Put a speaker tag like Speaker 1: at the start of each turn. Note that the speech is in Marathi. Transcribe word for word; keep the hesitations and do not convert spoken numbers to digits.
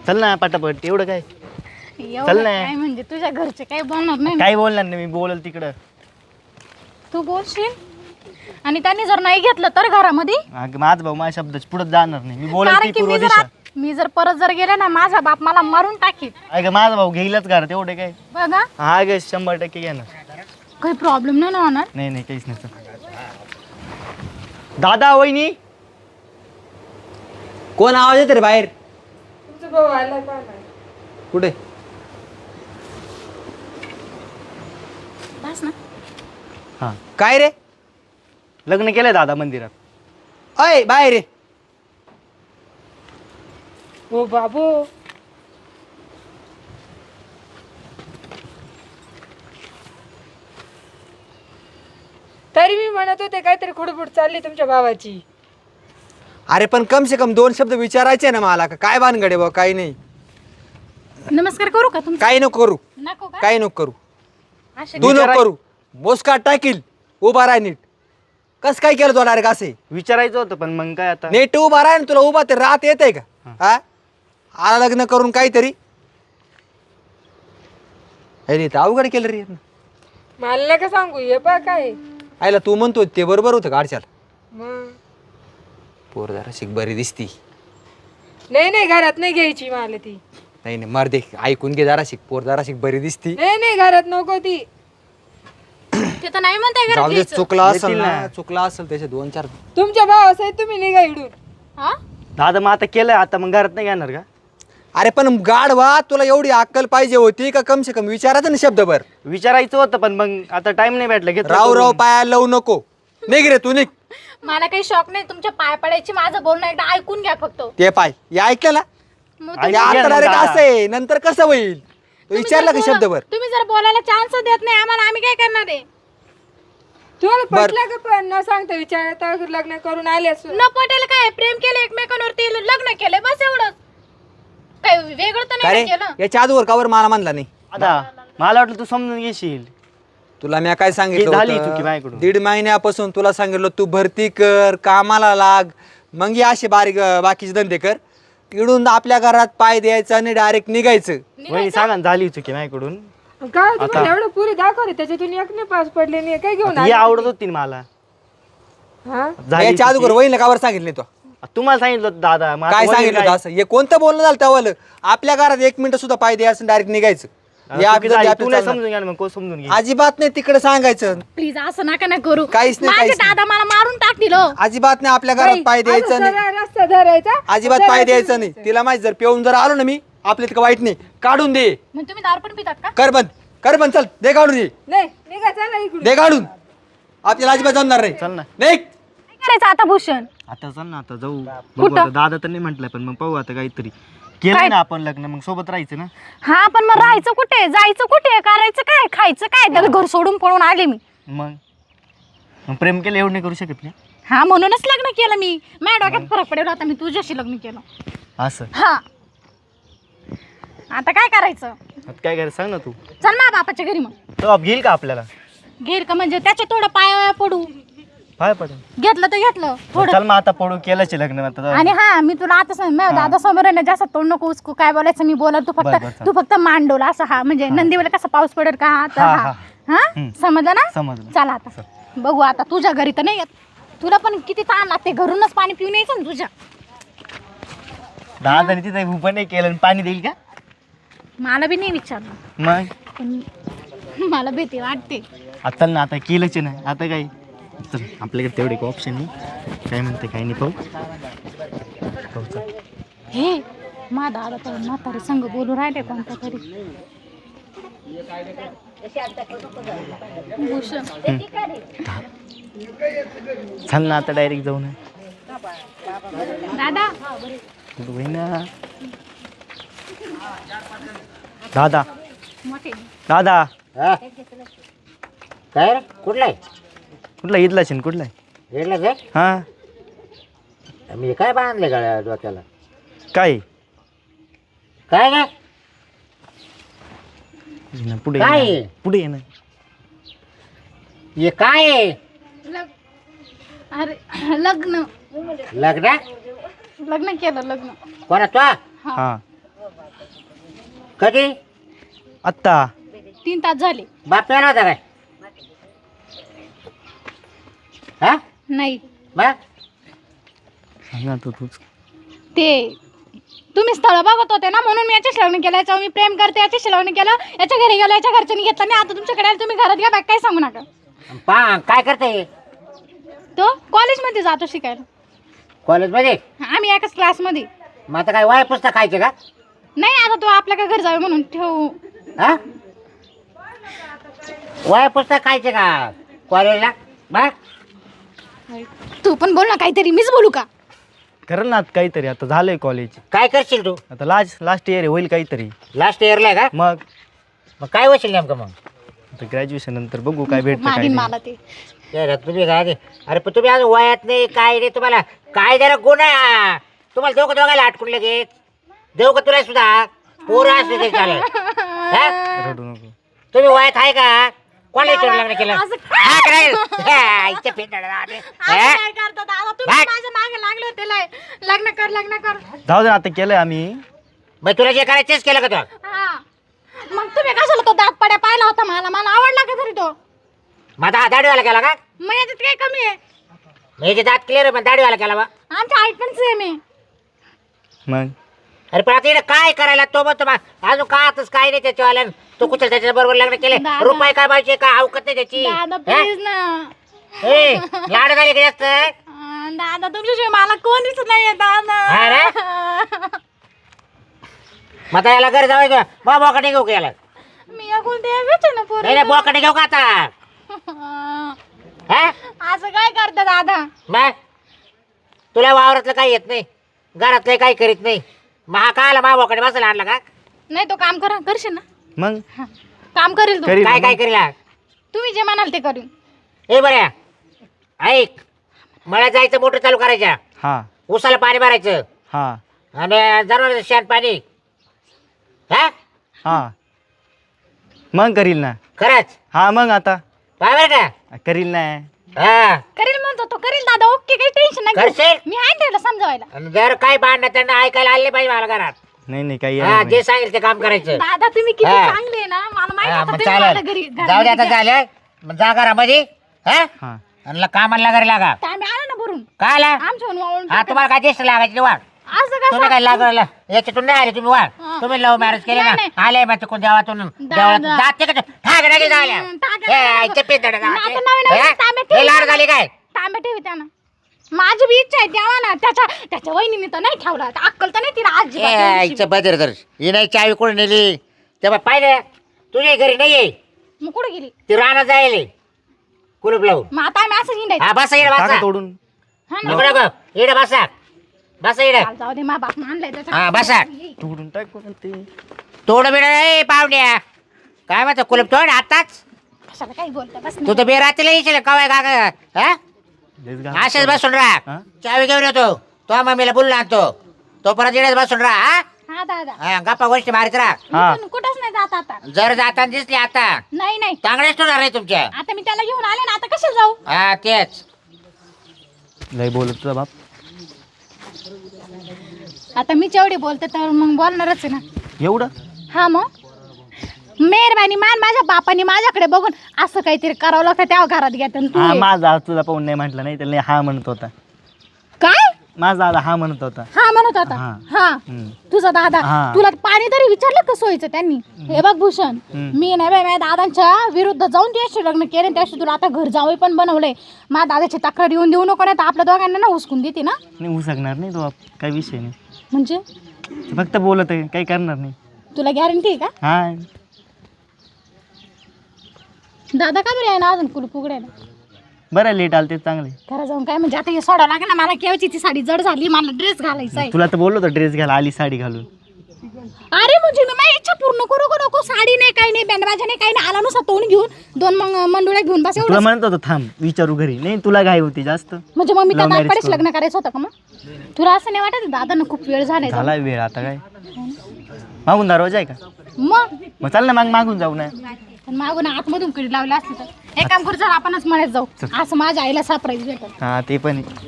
Speaker 1: चल ना पटापट एवढं काय
Speaker 2: चल ना काय म्हणजे तुझ्या घरचे काय बोलणार नाही
Speaker 1: काय बोलणार नाही मी बोलल तिकडं
Speaker 2: तू बोलशील आणि त्यांनी जर नाही घेतलं तर घरामध्ये
Speaker 1: अगं माझा भाऊ माझ्या शब्दाच्या पुढे जाणार नाही मी बोलल
Speaker 2: कारण
Speaker 1: ती
Speaker 2: की
Speaker 1: पूर्व
Speaker 2: मी जर
Speaker 1: दिशा
Speaker 2: आत- मी जर परत जर गेले ना माझा बाप मला मारून टाकील
Speaker 1: अगं माझा भाऊ घेईलच घरात एवढे काय
Speaker 2: बघा
Speaker 1: हा ग शंभर टक्के घेणार
Speaker 2: काही प्रॉब्लेम नाही ना होणार
Speaker 1: नाही नाही काहीच नाही चल. दादा वहिनी
Speaker 3: कोण आवाज येते रे बाहेर
Speaker 4: तुमचा भाऊ आला का नाही?
Speaker 3: कुठे
Speaker 2: बस ना
Speaker 1: हा
Speaker 3: काय रे
Speaker 1: लग्न केलंय दादा मंदिरात
Speaker 3: अय बाहेर रे
Speaker 4: हो बाबू तरी मी म्हणत होते काहीतरी खुडबुड चालली तुमच्या भावाची
Speaker 3: अरे पण कम से कम दोन शब्द विचारायचे ना मला का काय भानगडे बा काही नाही
Speaker 2: नमस्कार करू का तुमचं
Speaker 3: काही नको करू
Speaker 2: नको का
Speaker 3: काही नको करू
Speaker 2: असे
Speaker 3: तू नको करू मोस्का टाकील उभा राह नीट कस काय केलं तो डायरेक्ट असे
Speaker 1: विचारायचं होतं पण मग काय आता
Speaker 3: नीट उभा राह ना तुला उभा ते रात येत आहे का हा आला लग्न करून काहीतरी अरे तर अवघड केलं रे
Speaker 4: मला नका सांगू हे पा काय
Speaker 3: आयला तू म्हणतो ते बरोबर होतं गाडच्याल
Speaker 4: मग
Speaker 3: पोर जरा शिक बरी दिसती
Speaker 4: नाही नाही घरात नाही घ्यायची मला ती
Speaker 3: नाही नाही मर दे ऐकून घे जरा शिक पोर जरा शिक बरी दिसती
Speaker 4: नाही नाही घरात नको ती
Speaker 2: ते तर नाही म्हणताय
Speaker 3: जाऊ
Speaker 2: घरात
Speaker 3: दे
Speaker 2: घ्यायचं.
Speaker 3: चुकला असेल
Speaker 1: येतील
Speaker 3: ना
Speaker 1: ना.
Speaker 3: चुकला असेल त्याचे दोन चार
Speaker 4: तुमच्या भावासहित तुम्ही निघा इडून
Speaker 2: हा
Speaker 1: दादा मग आता केलंय आता मग घरात नाही घेणार का
Speaker 3: अरे पण गाढवा तुला एवढी अक्कल पाहिजे होती का कम से कम विचारायचं ना शब्दभर
Speaker 1: विचारायचं होतं पण मग आता टाइम नाही भेटला घेतलं
Speaker 3: राव राव
Speaker 1: करून.
Speaker 3: पाया लावू नको निघ रे तू निघ
Speaker 2: मला काही शॉक नाही तुमच्या पाय पडायची माझं बोलणं एकदा ऐकून घ्या फक्त
Speaker 3: ते पाय हे ऐकलं ना
Speaker 2: मग
Speaker 1: ऐकून
Speaker 3: हे
Speaker 1: घ्या
Speaker 3: आता
Speaker 1: ना
Speaker 3: डायरेक्ट
Speaker 1: दादा.
Speaker 3: असं आहे नंतर कसं होईल तो
Speaker 2: तुम्ही
Speaker 3: विचारला
Speaker 2: जर
Speaker 3: का
Speaker 2: बोला-
Speaker 3: शब्दभर
Speaker 2: तुम्ही जर बोलायला चान्स देत नाही आम्हाला आम्ही काय करणार आहे
Speaker 4: तुम्हाला
Speaker 3: बर.
Speaker 4: पटलं का पण न सांगता विचारता लग्न करून आले असू
Speaker 2: न पटेल काय प्रेम केलं एकमेकांवरती लग्न केलं बस एवढंच काय वेगळं तर
Speaker 3: का
Speaker 2: नाही
Speaker 3: रे
Speaker 2: केलं
Speaker 3: याच्या आजवर कावर मला म्हणला नाही
Speaker 1: आता मला वाटलं तू समजून घेशील
Speaker 3: तुला मी काय सांगितलं
Speaker 1: झाली
Speaker 3: होतं?
Speaker 1: चुकी माझ्याकडून.
Speaker 3: दीड महिन्यापासून तुला सांगितलं तू भरती कर कामाला लाग मग हे असे बारीक बाकीचे धंदे कर इडून आपल्या घरात पाय द्यायचं आणि डायरेक्ट निघायचं
Speaker 1: वहिनी सांगा ना, झाली चुकी माझ्याकडून
Speaker 4: काय तुम्हाला एवढं पुरी दाखवले त्याच्यातून एक नाही पास पडले नाही काय घेऊन
Speaker 1: ही
Speaker 4: आले?
Speaker 1: आवडत होती ना मला
Speaker 4: हा
Speaker 1: झाली
Speaker 3: याच्या
Speaker 1: चुकी.
Speaker 3: अगोदर वहिनीला कावर सांगितलं नाही तो
Speaker 1: तुम्हाला सांगितलं होतं दादा मग आता
Speaker 3: काय
Speaker 1: वहिनी
Speaker 3: सांगितलं होतं असं हे कोणतं बोलणं झालं त्यावालं आपल्या घरात एक मिनिट सुद्धा पाय द्यायचं डायरेक्ट निघायचं
Speaker 1: आता
Speaker 3: या
Speaker 1: चुकी
Speaker 3: आपलं-
Speaker 1: झाली,
Speaker 3: आपलं
Speaker 1: तू नाही
Speaker 3: चालणार.
Speaker 1: समजून घ्या ना, मग कोण समजून घे
Speaker 3: अजिबात नाही तिकडे सांगायचं
Speaker 2: प्लीज असं नका ना करू
Speaker 3: काहीच नाही,
Speaker 2: माझे
Speaker 3: काहीच नाही.
Speaker 2: दादा मला मारून टाकतील हो.
Speaker 3: अजिबात नाही आपल्या घरात पाय
Speaker 4: असं
Speaker 3: द्यायचं नाही
Speaker 4: सरळ रस्ता धरायचा
Speaker 3: अजिबात पाय द्यायचं नाही तिला माहिती जर पिऊन जर आलो ना मी आपल्या तिथं वाईट नाही काढून दे
Speaker 2: मग तुम्ही दारू पण पितात का
Speaker 3: कर बंद कर बंद चल दे काढून दे
Speaker 4: नाही निघा चला इकडून
Speaker 3: दे काढून आपल्याला अजिबात जमणार नाही
Speaker 1: चल ना
Speaker 3: नाही
Speaker 2: काय करायचं आता भूषण
Speaker 1: आता चल ना आता जाऊ बघू आता दादा तर नाही म्हटलंय पण मग पाहू आता काहीतरी केलं ना आपण लग्न मग सोबत राहायचं ना
Speaker 2: हा पण मग राहायचं कुठे जायचं कुठे करायचं काय खायचं काय त्याला घर सोडून पळून आले मी
Speaker 1: मग मग प्रेम केलं एवढं नाही करू शकत ना
Speaker 2: हा म्हणूनच लग्न केलं मी माझ्या डोक्यात फरक पडेल आता मी तुझ्याशी लग्न केलं
Speaker 1: असं
Speaker 2: हा आता काय करायचं
Speaker 1: आता काय करायचं सांग ना तू
Speaker 2: चल ना बापाच्या घरी मग
Speaker 1: तो आप घेईल का आपल्याला
Speaker 2: घेर का म्हणजे त्याच्या थोडं पाया पडू
Speaker 1: पाय पडेल
Speaker 2: घेतलं तर घेतलं थोडं
Speaker 1: चल मग आता पडू केलंच आहे लग्न आता जाऊ.
Speaker 2: आणि हा मी तुला आता सांग माझ्या दादा समोर आहे ना जास्त तोंड नको उचकू काय बोलायचं मी बोला तू
Speaker 1: बरं, बरं,
Speaker 2: फक्त
Speaker 1: चालेल.
Speaker 2: तू फक्त मांडवला असं हा म्हणजे नंदीवाला कसा पाऊस पडेल का हा तर
Speaker 1: हा,
Speaker 2: हा
Speaker 1: हा.
Speaker 2: हा
Speaker 1: हम्म.
Speaker 2: समजलं ना
Speaker 1: समजलं.
Speaker 2: चला आता बघू आता तुझ्या घरी तर नाही येत तुला पण किती ताण लागते घरूनच पाणी पिऊन यायचं ना तुझ्या
Speaker 1: दादाने तिथे उभं नाही केलं आणि पाणी देईल का
Speaker 2: मला बी नाही विचारलं
Speaker 1: मग
Speaker 2: पण मला भीती वाटते
Speaker 1: आता ना आता केलंच आहे ना आता काय चल आपल्याकडे तेवढे ऑप्शन नाही काय म्हणते काय नाही पाहू पाहू चल.
Speaker 2: हे मा दादा तर म्हातारी संघ बोलू राहिले कोणत्या तरी भूषण
Speaker 1: चल ना आता डायरेक्ट जाऊ ना
Speaker 2: दादा
Speaker 1: कुठं होई ना दादा
Speaker 2: मोठे
Speaker 1: दादा
Speaker 5: हा? काय रे कुठला आहे
Speaker 1: कुठला इथला शेण कुठला आहे
Speaker 5: रेडलाच आहे
Speaker 1: हा
Speaker 5: मी काय बांधले गाड्या डोक्याला
Speaker 1: काय
Speaker 5: काय काय
Speaker 1: ये ना, पुढे
Speaker 5: काय
Speaker 1: ये
Speaker 5: आहे?
Speaker 1: ना. पुढे ये ना
Speaker 5: हे काय आहे
Speaker 2: लग अरे लग्न
Speaker 5: लग्न
Speaker 2: लग्न केलं लग्न
Speaker 5: कोणा तो
Speaker 1: हा
Speaker 5: कधी
Speaker 1: आत्ता
Speaker 2: तीन तास झाले.
Speaker 5: बाप पेला होता काय हा
Speaker 2: नाही
Speaker 5: मग
Speaker 1: सांग आता तूच.
Speaker 2: ते तुम्ही स्थळ बघत होते ना म्हणून मी याच्याशी लग्न केलं. याच्यावर मी प्रेम करते याच्याशी लग्न केलं. याच्या घरी गेलो याच्या घरच्यांनी घेतलं नाही. आता तुमच्याकडे आले, तुम्ही घरात घ्या बाकी काही सांगू नका.
Speaker 5: पा काय करते
Speaker 2: तो कॉलेजमध्ये जातो शिकायला.
Speaker 5: कॉलेजमध्ये
Speaker 2: आम्ही एकाच क्लासमध्ये.
Speaker 5: मग आता काय वया पुस्तक खायचे का
Speaker 2: नाही आता तो आपल्या काय घर जावे म्हणून ठेवू.
Speaker 5: हा वया पुस्तक खायचे का कॉलेजला मग
Speaker 2: तू पण बोल ना काहीतरी. मीच बोलू का?
Speaker 1: करेल ना आता काहीतरी. आता झालंय कॉलेज.
Speaker 5: काय करशील तू
Speaker 1: आता लास्ट लास्ट इयर होईल काहीतरी.
Speaker 5: लास्ट इयरला आहे का
Speaker 1: मग
Speaker 5: मग काय होशील नेमकं मग
Speaker 1: आता ग्रॅज्युएशन नंतर बघू काय भेटतं काय
Speaker 2: मागीन
Speaker 1: नाही.
Speaker 2: मला ते.
Speaker 5: ते तुम्ही काय ते- अरे पण तुम्ही आज वयात नाही काय नाही तुम्हाला काय जरा गुण आहे हा? तुम्हाला दोघं दोघायला आटकून लगेच देऊ का तुला सुद्धा पोरं असले तरी चालेल हा?
Speaker 1: रडू नको.
Speaker 5: तुम्ही वयात आहे का कोणाला विचारून लग्न केलं
Speaker 2: असं-
Speaker 5: हा, करेल. हा, इच्छा पेटाळा आले.
Speaker 2: असं
Speaker 5: हा?
Speaker 2: काय करतात दादा? तुम्ही
Speaker 5: भाग.
Speaker 2: माझ्या मागे लागले होते लय. लग्न कर लग्न कर.
Speaker 1: जाऊ दे आता केलंय आम्ही.
Speaker 5: मग तुला जे करायचं तेच केलं का तू
Speaker 2: हा मग तुम्ही कशाला तो दात पड्या पाहिला होता? मला मला आवडला का तरी तो?
Speaker 5: मग आता दाढीवाला केला का
Speaker 2: मग याच्यात काय कमी आहे?
Speaker 5: मग याचे दात क्लिअर आहे पण दाढीवाला केला बा
Speaker 2: आमच्या हाईट पण सेम आहे.
Speaker 1: मग
Speaker 5: अरे पण आता इकडे काय करायला तो मग तुम्हाला अजून का आताच काय नाही त्याच्यावाल्या तो कुठं त्याच्या बरोबर लग्न केले
Speaker 2: दादा.
Speaker 5: रुपये काय पाहिजे का अवकत नाही त्याची
Speaker 2: दादा
Speaker 5: हा?
Speaker 2: प्लीज ना.
Speaker 5: ए, लाड झाली का जास्त
Speaker 2: अं, दादा तुमच्याशिवाय मला कोणीच नाहीये
Speaker 5: हा
Speaker 2: दादा.
Speaker 5: मग आता याला घरी जाऊ मग बोकडे घेऊ का याला
Speaker 2: मी अगोल ते एकच आहे ना
Speaker 5: नाही
Speaker 2: पोरी.
Speaker 5: नाही बोकडे घेऊ का आता हा
Speaker 2: असं काय करता दादा?
Speaker 5: मग तुला वावरातलं काही येत नाही घरातलं काही करीत नाही मग हा काय आला मा बोकडे बसायला आणला का
Speaker 2: नाही तो काम करा करशील ना?
Speaker 1: मग
Speaker 2: हा. काम करेल तो.
Speaker 1: करील.
Speaker 5: काय काय करीला
Speaker 2: तुम्ही जे म्हणाल ते करीन.
Speaker 5: ए बऱ्या ऐक मळ्यात जायचं मोटर चालू करायच्या
Speaker 1: हा
Speaker 5: उसाला पाणी भरायचं
Speaker 1: हा
Speaker 5: आणि जनावर शेण पाणी हा
Speaker 1: हा मग करील ना.
Speaker 5: खरंच
Speaker 1: हा मग आता
Speaker 5: काय बरं का
Speaker 1: करील ना.
Speaker 5: हा
Speaker 2: करेल म्हणतो तो करेल दादा. ओके काही टेन्शन नाही.
Speaker 5: करशील
Speaker 2: मी आहे त्याला समजावायला.
Speaker 5: आणि जर काय भांडणं त्यांना ऐकायला आले पाहिजे मला घरात
Speaker 1: नाही नाही काही
Speaker 5: हा
Speaker 1: येणार
Speaker 5: जे
Speaker 1: नाही.
Speaker 5: सांगेल ते काम करायचं
Speaker 2: दादा तुम्ही किती
Speaker 5: हा.
Speaker 2: चांगले आहे ना. मला माहिती
Speaker 5: हा,
Speaker 2: होतं
Speaker 5: मग
Speaker 2: तुम्ही मला
Speaker 5: चालेल
Speaker 2: घरी
Speaker 5: जाऊ दे आता
Speaker 2: घरामध्ये
Speaker 5: झालं मग जा घरामध्ये हा
Speaker 1: हा
Speaker 5: आणि ला- कामाला घरी लागा
Speaker 2: घ्या. आम्ही आलो ना भरून.
Speaker 5: काय आला
Speaker 2: आमच्या वाळून
Speaker 5: हा तुम्हाला काय ज्येष्ठ लागायचे वाढ
Speaker 2: असं
Speaker 5: तुम्ही
Speaker 2: कसं?
Speaker 5: काय लागला याच्यातून नाही आले तुम्ही वाढ
Speaker 2: हा.
Speaker 5: तुम्ही लव्ह मॅरेज केले ना
Speaker 2: नाही,
Speaker 5: आले मग कोण देवातून देवळात
Speaker 2: दादा.
Speaker 5: जाते का ठाक नाही झाल्या
Speaker 2: हम्म, टाक नाही.
Speaker 5: हे चप्पे दडा
Speaker 2: आता नवीन नवीन तांबे
Speaker 5: हे लाड झाली काय
Speaker 2: तांबे ठेवी त्यानं. माझी बी इच्छा आहे द्यावा ना. त्याच्या त्याच्या वहिनीने तर नाही ठेवला. आता अक्कल तर नाही तिला आजी
Speaker 5: आईचं बदर तर ही नाही चावी कोण नेली तेव्हा पाहिलं तुझ्या घरी नाही ये
Speaker 2: मग कुठे गेली?
Speaker 5: ती राणा जायले कुलूप लावून
Speaker 2: मग आता आम्ही असं हिंडायचं.
Speaker 5: हा बसा इकडे
Speaker 1: टाका
Speaker 5: बसा
Speaker 1: तोडून.
Speaker 2: हा ना.
Speaker 5: नको नको इकडे बसा बसा इकडे
Speaker 2: चाल, जाऊ दे मा बाप आणलाय त्याच्या.
Speaker 5: हा बसा
Speaker 1: तोडून टाकून ते.
Speaker 5: तोड बिड रे पाहुण्या काय म्हणतो कुलूप तोड आताच
Speaker 2: कशाला काही बोलता बस
Speaker 5: तू तर बेरातीला येशील कवाय का हा
Speaker 1: लयच घाण.
Speaker 5: असेच बसून राहा
Speaker 1: हा?
Speaker 5: चावी घेऊन येतो तो मम्मीला बोलला आणतो तो परत इकडेच बसून राहा हा?
Speaker 2: हा दादा.
Speaker 5: हा गप्पा गोष्टी मारित राहा
Speaker 1: हा
Speaker 2: मी पण कुठंच नाही जात आता.
Speaker 5: जर जाताना दिसली आता
Speaker 2: नाही नाही
Speaker 5: चांगलेच होणार आहे तुमच्या
Speaker 2: आता मी त्याला घेऊन आले ना. आता कशाला जाऊ?
Speaker 5: हा तेच
Speaker 1: लय बोलत तुझा बाप.
Speaker 2: आता मी जेवढी बोलते तर मग बोलणारच आहे ना.
Speaker 1: एवढं
Speaker 2: हा मग मेहरबानी मान माझ्या बापाने माझ्याकडे बघून असं काहीतरी करावं लागतं तेव्हा घरात घेतात. आणि तू
Speaker 1: हा
Speaker 2: ये.
Speaker 1: माझा आज तुला पाहून नाही म्हटलं नाही त्याला हा म्हणत होता.
Speaker 2: काय
Speaker 1: माझा दादा हा म्हणत होता.
Speaker 2: हा म्हणत होता.
Speaker 1: हा.
Speaker 2: हा
Speaker 1: हम्म.
Speaker 2: तुझा दादा
Speaker 1: हा.
Speaker 2: तुला पाणी तरी विचारलं का सोयीचं त्यांनी? हे बघ भूषण
Speaker 1: हम्म.
Speaker 2: मी नाही बाई माझ्या दादांच्या विरुद्ध जाऊन त्याशी लग्न केले. त्याशी तुला आता घर जावं पण बनवलंय. माझ्या दादाची तक्रार येऊन देऊ नको नाही तर आपल्या दोघांना ना हुसकून देते ना.
Speaker 1: नाही होऊ शकणार नाही तो बाप. काही विषय नाही.
Speaker 2: म्हणजे
Speaker 1: ते फक्त बोलत आहे काही करणार नाही.
Speaker 2: तुला गॅरंटी आहे का?
Speaker 1: हा
Speaker 2: दादा का बरं आहे ना अजून कुलूप उघडायला?
Speaker 1: बरं लेट आलं ते चांगले.
Speaker 2: घरा जाऊन काय म्हणजे आता हे सोडावं लागेल ना. मला केवची ती साडी जड झाली. मला ड्रेस घालायचा आहे.
Speaker 1: तुला तर बोललो होतो ड्रेस घ्यायला आली साडी घालून.
Speaker 2: अरे म्हणजे मी माझी इच्छा पूर्ण करू का नको? साडी नाही काही नाही बँडबाजा नाही काही नाही. आला नुसता तोंड घेऊन दोन मग मंडुळ्या घेऊन बस
Speaker 1: तुला
Speaker 2: एवढं.
Speaker 1: म्हणत होतो थांब विचारू घरी. नाही तुला घाई होती जास्त.
Speaker 2: म्हणजे मग मी त्या
Speaker 1: Love marriage
Speaker 2: दाखवाडीच
Speaker 1: करून.
Speaker 2: लग्न करायचं होतं का मग? तुला असं नाही वाटत दादांना खूप वेळ झालाय
Speaker 1: झाला वेळ आता काय. मागून दरवाजा आहे का?
Speaker 2: मग
Speaker 1: मग चाल ना माग मागून जाऊ ना.
Speaker 2: पण मागून आतमधून कडी लावली असते तर एक काम करू चल आपणच म्हणत जाऊ. असं माझ्या आईला सरप्राईज भेटल.
Speaker 1: हा ते पण आहे.